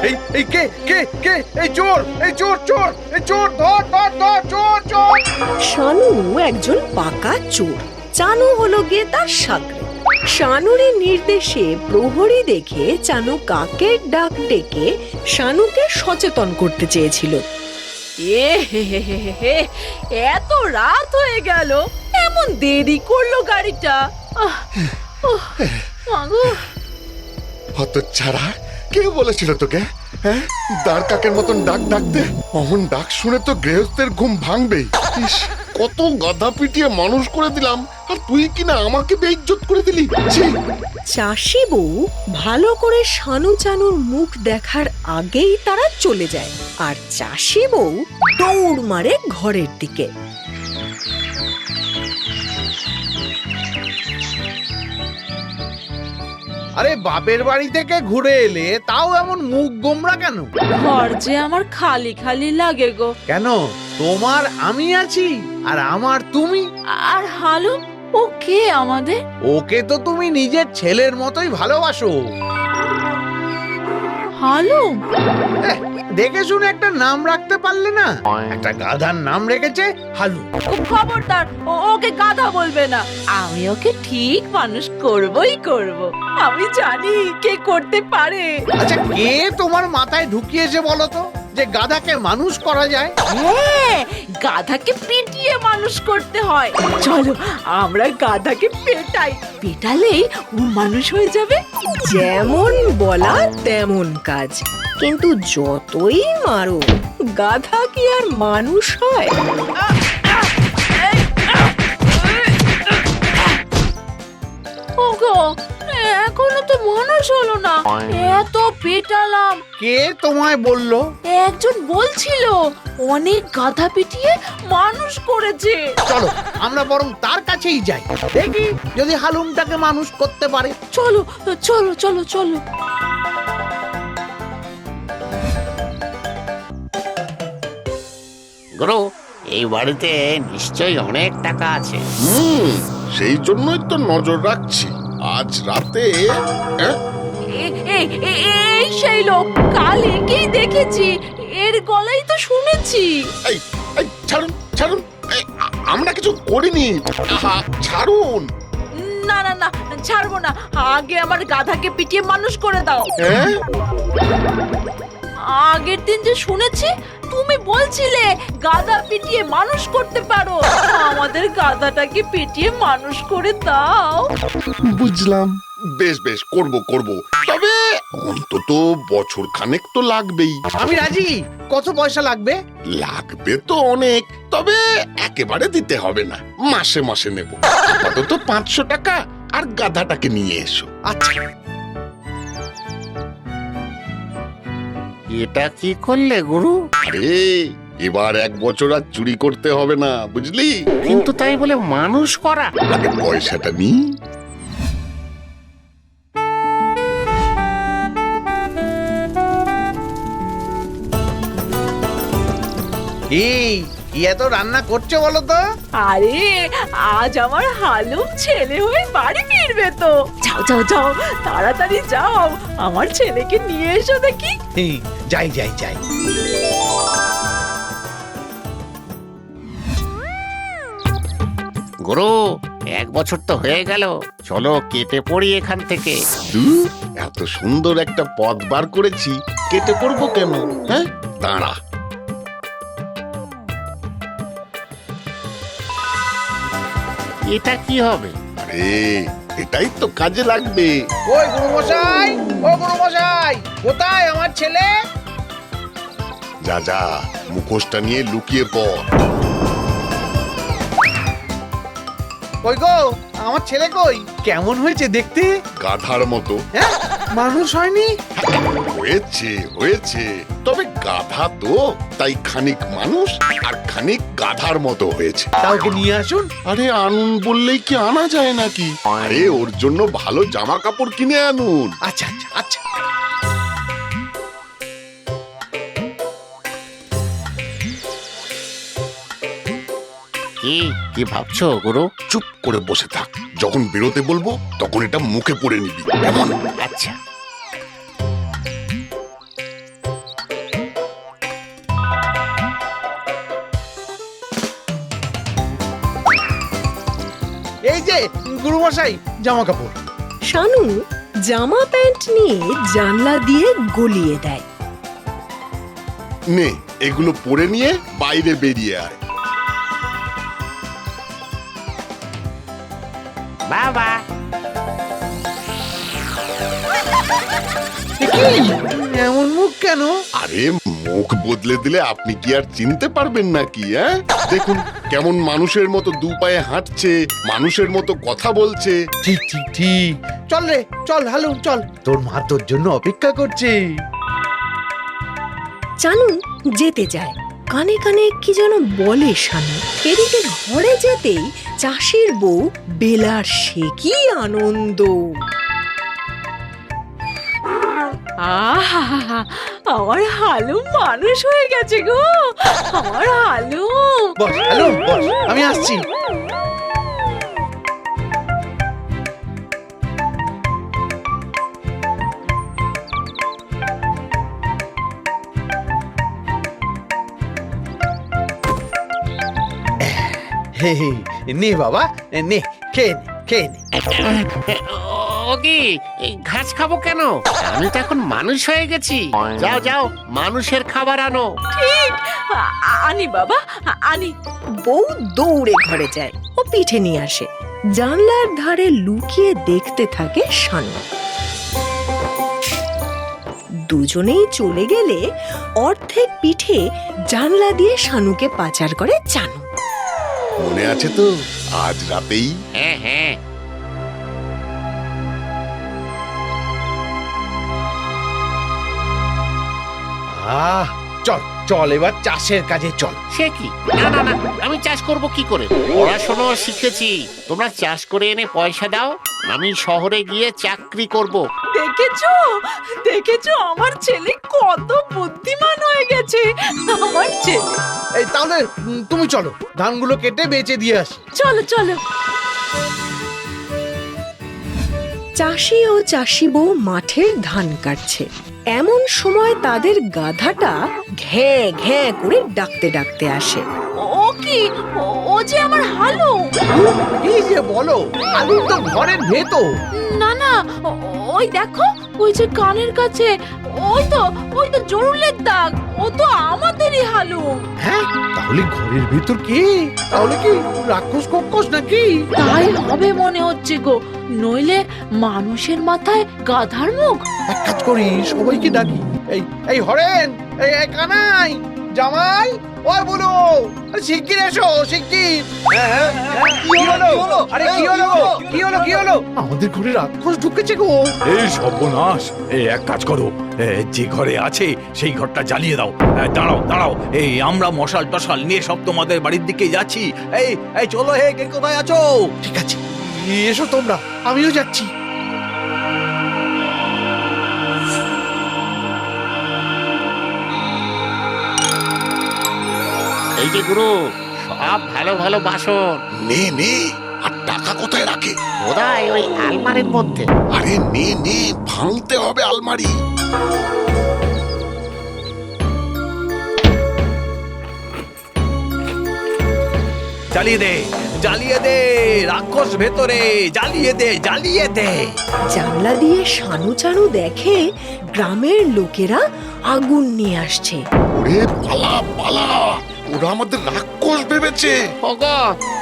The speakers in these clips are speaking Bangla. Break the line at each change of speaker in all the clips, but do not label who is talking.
এই কে কে কে এই চোর চোর ধর ধর ধর চোর চোর।
শানু একজন পাকা চোর, চানু হলো গিয়ে তার সাগরে। শানুরের নির্দেশে প্রহরী দেখে চানু কাকের ডাক ডেকে শানুকে সচেতন করতে চেয়েছিল। এত রাত হয়ে গেল, এমন দেরি করলো গাড়িটা।
হতচ্ছাড়া, কে বলেছিল তোকে হ্যাঁ দাঁড় কাকের মতন ডাক ডাকতে? অমন ডাক শুনে তো গৃহস্থের ঘুম ভাঙবেই। ইস, কত গাধা পিটিয়ে মানুষ করে দিলাম, আর তুই কিনা আমাকে বেইজ্জত করে দিলি।
চাষি বউ ভালো করে শানু চানুর মুখ দেখার আগেই তারা চলে যায়, আর চাষি বউ দৌড় মারে ঘরের দিকে।
আরে বাপের বাড়ি থেকে ঘুরে এলে তাও এমন মুখ গোমরা কেন?
ঘর যে আমার খালি খালি লাগে গো।
কেন? তোমার আমি আছি আর আমার তুমি।
আর হালু, ও কে আমাদের?
ওকে তো তুমি নিজের ছেলের মতোই ভালোবাসো।
হালু?
দেখে শুনে একটা নাম রাখতে পারলে না? একটা গাধার নাম রেখেছে হালু।
খবরদার, ওকে গাধা বলবে না। আমি ওকে ঠিক মানুষ করবই করব। আমি জানি কে করতে পারে।
আচ্ছা, কে তোমার মাথায় ঢুকিয়েছে বলো তো যে গাধাকে মানুষ করা যায়?
হ্যাঁ, গাধাকে পিটিয়ে মানুষ করতে হয়। চলো আমরা গাধাকে পেটাই, পেটালেই ও মানুষ হয়ে যাবে।
যেমন বলা তেমন কাজ, কিন্তু যতই মারো গাধা কি আর মানুষ হয়?
ওগো, এখনো তো মানুষ হলো না। এত পেটালাম।
কে তোমায় বললো?
একজন বলছিল অনেক গাধা পিটিয়ে মানুষ করেছে।
চলো আমরা বরং তার কাছেই যাই, দেখি যদি হালুমটাকে মানুষ করতে পারে।
চলো চলো চলো চলো।
গুরু, এই বাড়িতে নিশ্চয়ই অনেক টাকা আছে।
সেই জন্যই তো নজর রাখছি। আজ রাতে
এই সেই লোক, কাল একেই দেখেছি, এর গলাই তো শুনেছি।
এই এই ছাড়ুন ছাড়ুন, আমরা কিছু করিনি। ছাড়ুন।
না না না, ছাড়বো না। আগে আমার গাধাকে পিটিয়ে মানুষ করে দাও।
হ্যাঁ,
আগের দিন যে শুনেছি তুমি বলছিলে গাধা পিটিয়ে মানুষ করতে পারো। আমাদের গাধাটাকে পিটিয়ে মানুষ করে দাও।
বুঝলাম। বেশ বেশ, করব করব, তবে অন্তত বছর খানেক তো লাগবেই।
আমি রাজি। কত পয়সা লাগবে?
লাগবে তো অনেক, তবে একেবারে দিতে হবে না, মাসে মাসে নেব। আপাতত 500 টাকা, আর গাধাটাকে নিয়ে এসো।
আচ্ছা।
এটা কি করলে গুরু?
আরে এবার 1 বছর আর চুরি করতে হবে না, বুঝলি?
কিন্তু তাই বলে মানুষ করা?
আগে পয়সাটা নি।
কি এত রান্না করছো বলো তো?
আরে আজ আমার হালুম ছেলে হয়ে বাড়ি ফিরবে তো। যাও যাও যাও, তাড়াতাড়ি যাও, আমার ছেলেকে নিয়ে এসো দেখি।
যাই যাই যাই।
গুরু, 1 বছর তো হয়ে গেল, চলো কেটে পড়ি এখান থেকে।
এত সুন্দর একটা পথ বার করেছি, কেটে পড়বো কেন? হ্যাঁ, দাঁড়া।
এটা কি হবে?
আরে এটাই তো কাজে লাগবে।
ওই গুরুমশাই, ও গুরুমশাই, কোথায় আমার ছেলে?
যা যা, মুখোশটা নিয়ে লুকিয়ে পড়।
কই গো, আমার ছেলে কই? কেমন হয়েছে দেখতে?
গাধার মতো।
হ্যাঁ, মানুষ হয়নি?
হয়েছে হয়েছে, তবে গাধা তো, তাই খানিক মানুষ আর খানিক গাধার মতো হয়েছে।
কাউকে নিয়ে আসুন।
আরে আনুন বললেই কি আনা যায় নাকি? আরে ওর জন্য ভালো জামা কাপড় কিনে আনুন।
আচ্ছা আচ্ছা আচ্ছা।
কি কি ভাবছো গুরু?
চুপ করে বসে থাক, যখন বেরোতে বলবো তখন এটা মুখে পড়ে নিবি, কেমন?
আচ্ছা।
এই যে গুরুমশাই জামা কাপড়।
শানু জামা প্যান্ট নিয়ে জানলা দিয়ে গলিয়ে দেয়।
নে এগুলো পরে নিয়ে বাইরে বেরিয়ে আয়।
বাবা
এ কি এমন মুখ কেন?
আরে মুখ বদলে দিলে আপনি কি আর চিনতে পারবেন নাকি? দেখুন কেমন মানুষের মতো দু পায়ে হাঁটছে, মানুষের মতো কথা বলছে।
ঠিক ঠিক ঠিক, চল রে চল হালুম চল, তোর মা তোর জন্য অপেক্ষা করছে।
চানু যেতে যায়, কানে কানে কি যেন বলে শানু। এদিকে ঘরে যেতেই চাষির বউ বেলার সে কি আনন্দ।
আহা, আমার হালুম মানুষ হয়ে গেছে গো, আমার হালুম।
বস হালুম বস, আমি আসছি। হে হে, নে বাবা নে, খেয়ে নে খেয়ে নে।
ও কি ঘাস খাবো কেন? আমি তো এখন মানুষ হয়ে গেছি। যাও যাও মানুষের খাবার আনো।
ঠিক, আনি বাবা, আনি।
বউ দৌড়ে ঘরে যায়, ও পিঠে নিয়ে আসে। জানলার ধারে লুকিয়ে দেখতে থাকে শানু। দুজনেই চলে গেলে অর্ধেক পিঠে জানলা দিয়ে শানুকে পাচার করে চানু।
মনে আছে তো আজ রাতেই?
হ্যাঁ হ্যাঁ।
আহ চল চল এবার চাষের কাজে চল।
সে কি? না না না, আমি চাষ করব কি করে? পড়াশোনা শিখেছি, তোমরা চাষ করে এনে পয়সা দাও, আমি শহরে গিয়ে চাকরি করব।
দেখেছো দেখেছো আমার ছেলে কত বুদ্ধিমান হয়ে গেছে, আমার ছেলে।
এই তাহলে তুমি চলো ধানগুলো কেটে বেচে দিয়ে আসি।
চলো চলো।
চাষি ও চাষি বউ মাঠের ধান কাটছে। এমন সময় তাদের গাধাটা ঘ্যাঁ ঘ্যাঁ করে ডাকতে ডাকতে আসে।
ও কি, ও যে আমার হালুম।
কি যে বলো, আলু তো ঘরের ভেতর।
না না, ওই দেখো, ওই যে কানের কাছে, ওই তো জরুলের দাগ, ও তো আমাদেরই হালুম।
হ্যাঁ তাহলে ঘরের ভেতর কি? তাহলে কি রাক্ষস কক্ষস নাকি?
তাই হবে মনে হচ্ছে গো, নইলে মানুষের মাথায় গাধার মুখ।
এক কাজ করি, সবাইকে ডাকি। এই এই হরেন, এই এই কানাই, জামাই, ওই বলো, আরে শিগগির এসো শিগগির। কি হলো? আরে কি হলো? কি হলো কি হলো? আমাদের ঘরে রাক্ষস ঢুকেছে গো।
এই সর্বনাশ! এই এক কাজ করো, যে ঘরে আছে সেই ঘরটা জ্বালিয়ে দাও। দাঁড়াও দাঁড়াও, এই আমরা মশাল টশাল নিয়ে সব তোমাদের বাড়ির দিকে যাচ্ছি। এই এই চলো, হে কে কোথায় আছো?
ঠিক আছে এসো তোমরা, আমিও যাচ্ছি।
এই যে গুরু, সব ভালো ভালো বাসন।
নে নে, আর টাকা কোথায় রাখে?
বোধহয় ওই আলমারির মধ্যে।
আরে নে নে, ভাঙতে হবে আলমারি।
জ্বালিয়ে দে, জ্বালিয়ে দে, রাক্ষস ভেতরে, জ্বালিয়ে দে, জ্বালিয়ে দে।
জানলা দিয়ে শানু চানু দেখে গ্রামের লোকেরা আগুন নিয়ে আসছে।
ওরে পালা পালা, ওরা আমাদের রাক্ষস ভেবেছে।
ওগো,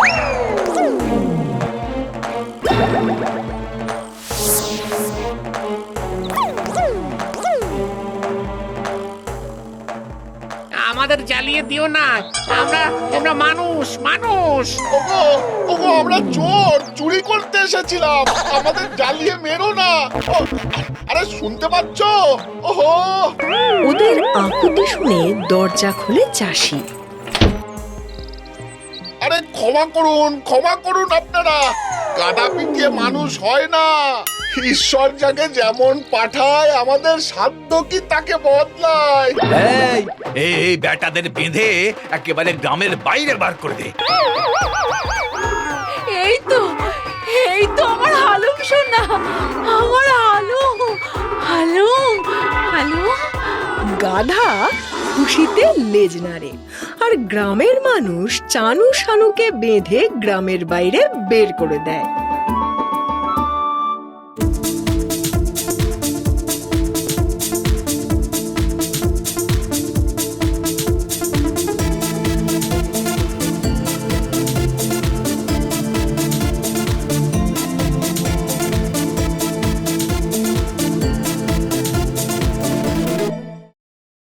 আমাদের জ্বালিয়ে দিও না, আমরা মানুষ মানুষ।
ওগো ওগো, আমরা চোর, চুরি করতে এসেছিলাম, আমাদের জ্বালিয়ে মেরো না। আরে শুনতে পাচ্ছ? ওহো,
ওদের আকুতি শুনে দরজা খুলে চাষি।
আরে ক্ষমা করুন আপনারা, গাদা পিটিয়ে মানুষ হয় না। ঈশ্বর যাকে যেমন পাঠায়, আমাদের সাধ্য কি তাকে বদলায়।
এই বেটাদের বেঁধে একেবারে গ্রামের বাইরে বার করে দে।
এই তো আমার হালুম সোনা, আমার হালুম।
গাধা খুশিতে লেজ নাড়ে। আর গ্রামের মানুষ চানু শানুকে বেঁধে গ্রামের বাইরে বের করে দেয়।